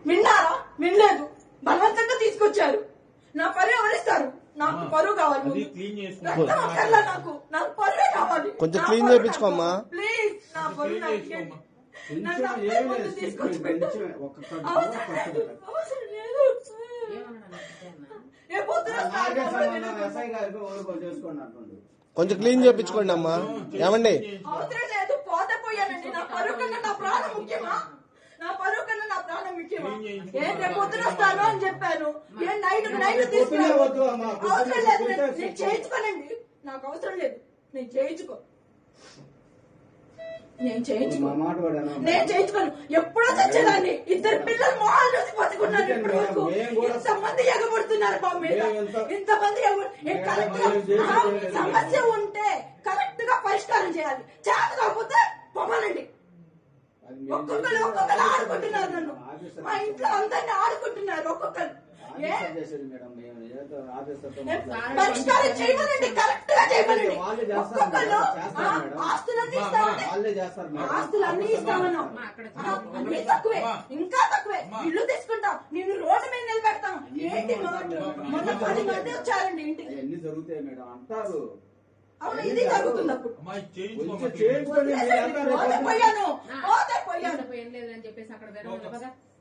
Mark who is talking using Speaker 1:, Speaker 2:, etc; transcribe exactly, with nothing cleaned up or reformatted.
Speaker 1: విన్నారా? వినలేదు. బలవంతంగా తీసుకొచ్చారు. నా పరువు ఎవరిస్తారు? నాకు పరువు కావాలి. రక్తం అక్కర్లా నాకు. నాకు పరువే కావాలి.
Speaker 2: కొంచెం క్లీన్ చేయించుకోమ్మా
Speaker 1: ప్లీజ్. నా పరువు నన్ను తీసుకొచ్చి పెట్టు. అవసరం లేదు. ఏ పొద్దున
Speaker 2: కొంచెం క్లీన్ చేయించుకోండి అమ్మా. ఏమండి?
Speaker 1: అవసరం లేదు. పోతే పోయానండి. నా పరువు కన్నా నా ప్రాణం ముఖ్యమా? నా పరువు కన్నా నా ప్రాణం ముఖ్యమా? ఏం రేపు పొద్దున వస్తాను అని చెప్పాను. ఏం నైట్ నైట్ తీసుకున్నాను. అవసరం లేదు. నేను చేయించుకోనండి. నాకు అవసరం లేదు. నేను చేయించుకో నేను చేయించుకో నేను చేయించుకోను. ఎప్పుడో చచ్చేదాన్ని. ఇద్దరు పిల్లలు మొహాలు చూసి బతుకున్నారు. ఇప్పటి వరకు ఇంతమంది ఎగబడుతున్నారు మా మీద. ఇంతమంది సమస్య ఉంటే కరెక్ట్ గా పరిష్కారం చేయాలి. చేత కాకపోతే పొమ్మనండి. ఒక్కొక్కరు ఒక్కొక్కరు ఆడుకుంటున్నారు. నన్ను మా ఇంట్లో అందరినీ ఆడుకుంటున్నారు. ఒక్కొక్కరు పరిష్కారం చేయమనండి. కరెక్ట్ గా చేయమనండి. ఒక్కొక్కరు ఆస్తులన్నీ ఇస్తామని ఆస్తులన్నీ ఇస్తామన్నాం. అన్ని తక్కువే, ఇంకా తక్కువే. ఇల్లు తీసుకుంటాం. నేను రోడ్డు మీద నిలబెడతాం. ఏంటి మొన్న పది మంది వచ్చారండి ఇంటికి.
Speaker 3: ఎన్ని జరుగుతాయి మేడం అంటారు.
Speaker 1: అవును, ఇది జరుగుతుంది. అప్పుడు
Speaker 4: పోతే
Speaker 1: పోయాను పోతే పోయాను
Speaker 4: పోయాను లేదని చెప్పేసి అక్కడ